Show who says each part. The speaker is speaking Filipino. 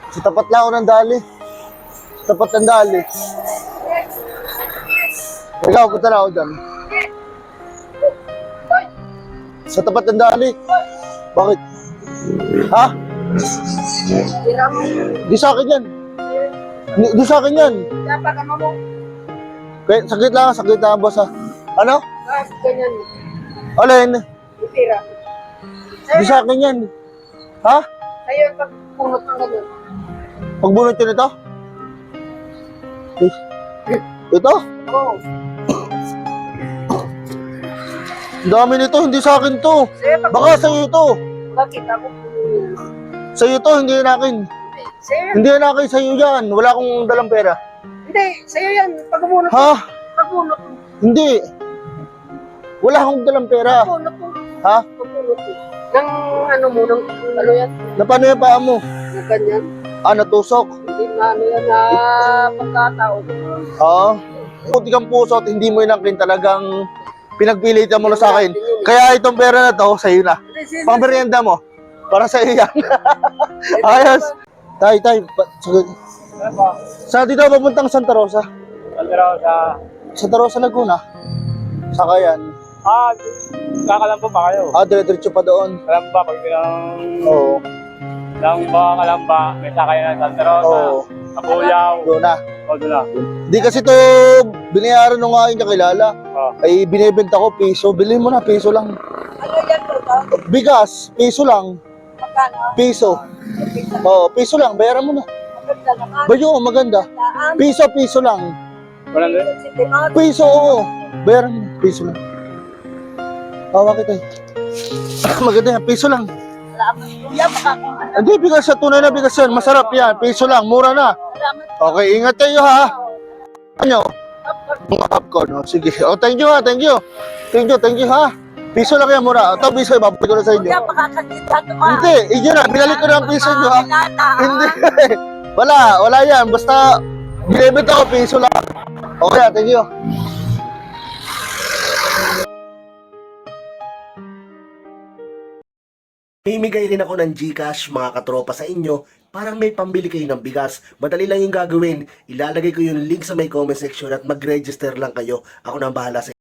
Speaker 1: Sa tapat lang ako ng dali. Sa tapat ng dali. Ikaw, punta na ako dyan. Sa tapat ng dali. Bakit? Ha? Di sa akin yan. Di sa akin yan. Kaya, sakit lang, boss ha. Ano?
Speaker 2: Ganyan.
Speaker 1: Alin?
Speaker 2: Tira.
Speaker 1: Di sa akin yan. Ha?
Speaker 2: Sa'yo yung pagpunot ng ganun.
Speaker 1: Pagbunot yun ito? Ito?
Speaker 2: Oo.
Speaker 1: Ang dami nito, hindi sa akin to.
Speaker 2: Sa'yo
Speaker 1: Baka sa'yo ito.
Speaker 2: Bakit ako?
Speaker 1: Sa'yo to, hindi yan akin.
Speaker 2: Sa'yo yan.
Speaker 1: Hindi yan akin, sa'yo yan. Wala akong dalang pera.
Speaker 2: Hindi, sa'yo yan. Pagpunot.
Speaker 1: Ha?
Speaker 2: Pagpunot.
Speaker 1: Hindi. Wala akong dalang pera.
Speaker 2: Pagpunot mo.
Speaker 1: Ha?
Speaker 2: Pagpunot mo. Nang ano mo, nang ano yan?
Speaker 1: Na paano yung paa mo?
Speaker 2: Na ganyan.
Speaker 1: Ah, natusok.
Speaker 2: Hindi na ano yan na pagkataon.
Speaker 1: Oo. Puti kang puso at hindi mo yun akin talagang pinagpilitan mo na sa akin. Kaya itong pera na to, sa'yo na. Pang merienda mo. Para sa'yo yan. Ayos. Tay. Sa dito papuntang Santa Rosa. Santa Rosa, Laguna. Saka yan.
Speaker 3: Kakalamba pa kayo.
Speaker 1: Dire-diretso pa doon.
Speaker 3: Kalamba, pag bilang
Speaker 1: Oo.
Speaker 3: kalamba, may sakay na Santa Rosa,
Speaker 1: Oo.
Speaker 3: Kabuyaw,
Speaker 1: Doon na.
Speaker 3: o doon na.
Speaker 1: Di kasi to binayaran nung aking kakilala.
Speaker 3: Oh.
Speaker 1: Ay binibenta ko piso. Bilhin mo na, piso lang.
Speaker 2: Ano yan po?
Speaker 1: Bigas, piso lang.
Speaker 2: Magkano?
Speaker 1: Piso. Oo, piso lang. Bayaran mo na.
Speaker 2: Maganda naman.
Speaker 1: Bayo, maganda. Piso lang.
Speaker 3: Walang din.
Speaker 1: Piso, oo. Bayaran mo na. Piso lang. Tawa kita eh. Maganda yan. Piso lang.
Speaker 2: Salamat. Kuya, makakain.
Speaker 1: Hindi, bigas sa tunay na bigas yan. Masarap yan. Piso lang. Mura na.
Speaker 2: Salamat.
Speaker 1: Okay, ingat kayo ha. Ano? Mga popcorn. Oh, sige. Oh, thank you ha. Thank you ha. Piso lang yan, mura. Ito, piso. Ibabalik ko na sa inyo.
Speaker 2: Kuya, makakakita ka.
Speaker 1: Hindi, yun na. Binalik ko na ang piso nyo ha. Hindi. Wala yan. Basta, binibenta ko piso lang. Okay, thank you.
Speaker 4: Mimigay rin ako ng GCash mga katropa sa inyo para may pambili kayo ng bigas. Madali lang yung gagawin. Ilalagay ko yung link sa may comment section at mag-register lang kayo. Ako na ang bahala sa